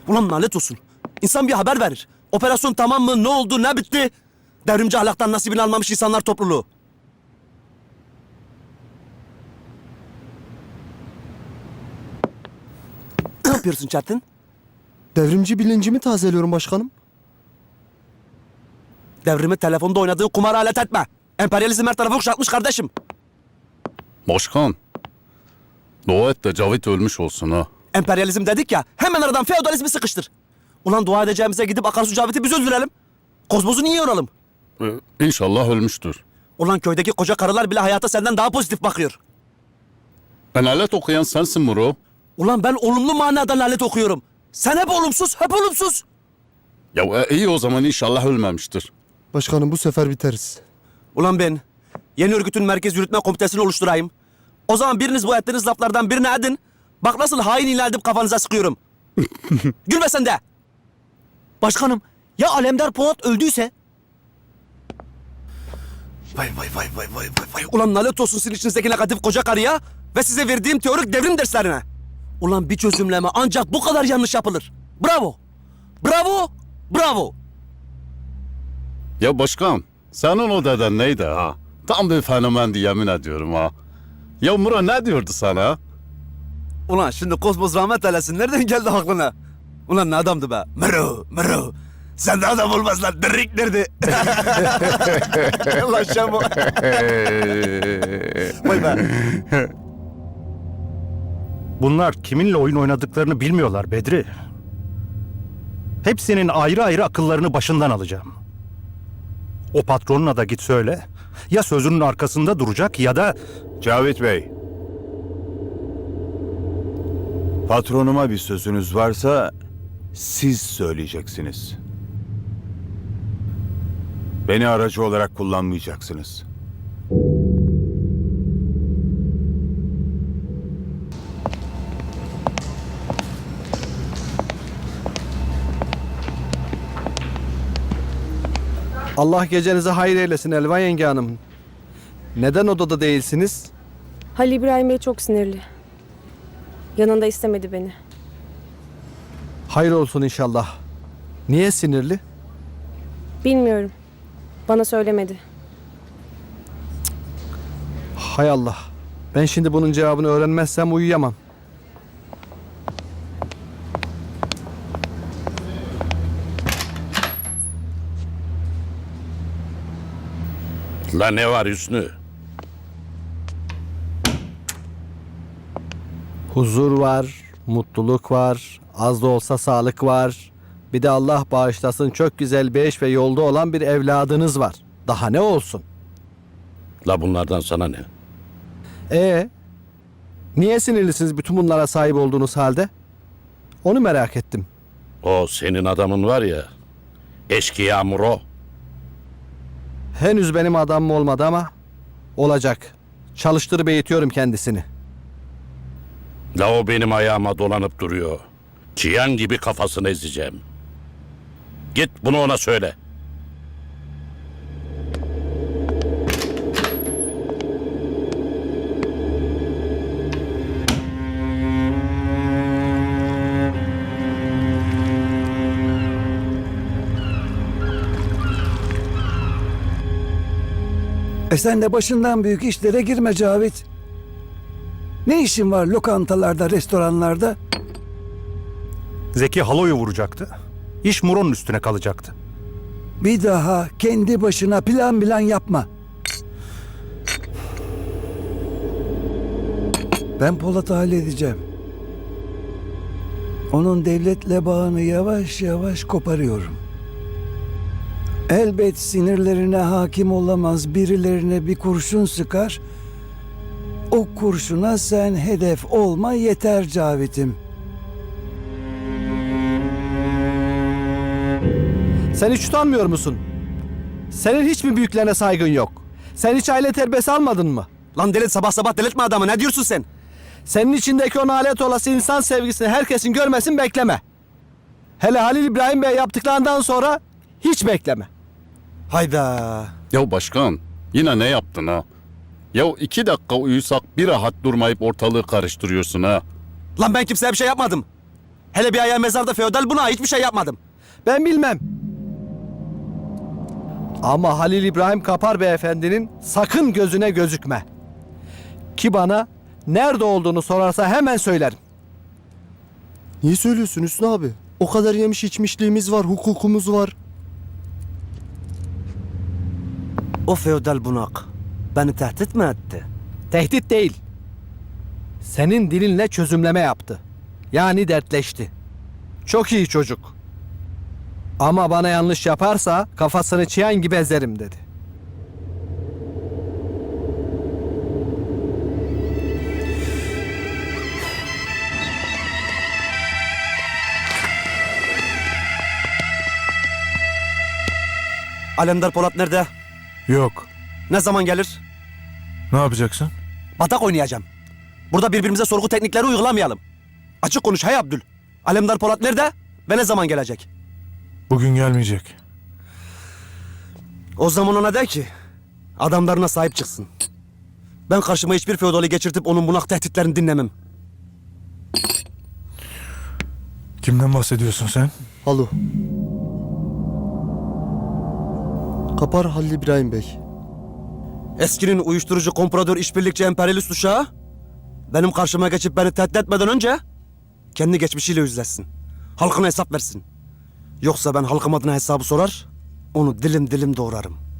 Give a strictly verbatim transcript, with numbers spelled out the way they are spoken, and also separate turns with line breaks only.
Ulan lanet olsun. İnsan bir haber verir. Operasyon tamam mı? Ne oldu? Ne bitti? Devrimci ahlaktan nasibini almamış insanlar topluluğu. Ne yapıyorsun Çetin?
Devrimci bilincimi tazeliyorum başkanım.
Devrimi telefonda oynadığı kumara alet etme. Emperyalizm her tarafı kuşatmış kardeşim.
Başkan, dua et de Cavit ölmüş olsun ha.
Emperyalizm dedik ya, hemen aradan feodalizmi sıkıştır. Ulan dua edeceğimize gidip akarsu Cavit'i biz öldürelim. Kozmozu niye yoralım?
Ee, İnşallah ölmüştür.
Ulan köydeki koca karılar bile hayata senden daha pozitif bakıyor.
Ben alet okuyan sensin Muro.
Ulan ben olumlu manada lanet okuyorum. Sen hep olumsuz, hep olumsuz.
Ya e, iyi o zaman inşallah ölmemiştir.
Başkanım bu sefer biteriz.
Ulan ben yeni örgütün merkez yürütme komitesini oluşturayım. O zaman biriniz bu ettiğiniz laflardan birini edin. Bak nasıl hain ilan edip kafanıza sıkıyorum. Gülme sen de.
Başkanım, ya Alemdar Polat öldüyse?
Vay vay vay vay vay vay vay. Ulan lanet olsun sizin içinizdeki negatif koca karıya ve size verdiğim teorik devrim derslerine. Ulan bir çözümleme ancak bu kadar yanlış yapılır. Bravo. Bravo. Bravo.
Ya başkan, senin o deden neydi ha? Tam bir fenomendi yemin ediyorum ha. Ya Muro ne diyordu sana?
Ulan şimdi Kozmos rahmet eylesin. Nereden geldi aklına? Ulan ne adamdı be? Mero, Mero. Sen de adam olmaz lan. Dirrik nerede? Ulan Şamo. Vay be.
Bunlar kiminle oyun oynadıklarını bilmiyorlar Bedri. Hepsinin ayrı ayrı akıllarını başından alacağım. O patronuna da git söyle. Ya sözünün arkasında duracak ya da...
Cavit Bey. Patronuma bir sözünüz varsa siz söyleyeceksiniz. Beni aracı olarak kullanmayacaksınız.
Allah gecenize hayır eylesin Elvan yenge hanım. Neden odada değilsiniz?
Halil İbrahim Bey çok sinirli. Yanında istemedi beni.
Hayır olsun inşallah. Niye sinirli?
Bilmiyorum. Bana söylemedi.
Hay Allah. Ben şimdi bunun cevabını öğrenmezsem uyuyamam.
La ne var Hüsnü?
Huzur var, mutluluk var, az da olsa sağlık var. Bir de Allah bağışlasın çok güzel bir eş ve yolda olan bir evladınız var. Daha ne olsun?
La bunlardan sana ne?
Ee, niye sinirlisiniz bütün bunlara sahip olduğunuz halde? Onu merak ettim.
O senin adamın var ya, eşkıya Muro.
Henüz benim adamım olmadı ama olacak. Çalıştırıp eğitiyorum kendisini.
La o benim ayağıma dolanıp duruyor. Çiyan gibi kafasını ezeceğim. Git bunu ona söyle.
E sen de başından büyük işlere girme Cavit. Ne işin var lokantalarda, restoranlarda?
Zeki Halo'yu vuracaktı. İş Muro'nun üstüne kalacaktı.
Bir daha kendi başına plan plan yapma. Ben Polat'ı halledeceğim. Onun devletle bağını yavaş yavaş koparıyorum. Elbet sinirlerine hakim olamaz, birilerine bir kurşun sıkar. O kurşuna sen hedef olma yeter Cavit'im.
Sen hiç utanmıyor musun? Senin hiç mi büyüklerine saygın yok? Sen hiç aile terbiyesi almadın mı?
Lan deli sabah sabah delirtme adamı. Ne diyorsun sen?
Senin içindeki o nalet olası insan sevgisini herkesin görmesin bekleme. Hele Halil İbrahim Bey yaptıklarından sonra hiç bekleme.
Hayda.
Ya başkan, yine ne yaptın ha? Ya iki dakika uyusak bir rahat durmayıp ortalığı karıştırıyorsun ha.
Lan ben kimseye bir şey yapmadım. Hele bir ayağı mezarda feodal buna hiçbir şey yapmadım.
Ben bilmem. Ama Halil İbrahim Kapar beyefendinin sakın gözüne gözükme. Ki bana nerede olduğunu sorarsa hemen söylerim.
Niye söylüyorsun Hüsnü abi? O kadar yemiş içmişliğimiz var, hukukumuz var.
O feodal bunak beni tehdit mi etti?
Tehdit değil. Senin dilinle çözümleme yaptı. Yani dertleşti. Çok iyi çocuk. Ama bana yanlış yaparsa kafasını çiyan gibi ezerim dedi.
Alemdar Polat nerede?
Yok.
Ne zaman gelir?
Ne yapacaksın?
Batak oynayacağım. Burada birbirimize sorgu teknikleri uygulamayalım. Açık konuş hey Abdül. Alemdar Polat nerede ve ne zaman gelecek?
Bugün gelmeyecek.
O zaman ona de ki adamlarına sahip çıksın. Ben karşıma hiçbir feodali geçirtip onun bunak tehditlerini dinlemem.
Kimden bahsediyorsun sen?
Alo. Kapar Halil İbrahim Bey.
Eskinin uyuşturucu kompradör işbirlikçi emperyalist uşağı benim karşıma geçip beni tehdit etmeden önce kendi geçmişiyle yüzleşsin. Halkına hesap versin. Yoksa ben halkım adına hesabı sorar, onu dilim dilim doğrarım.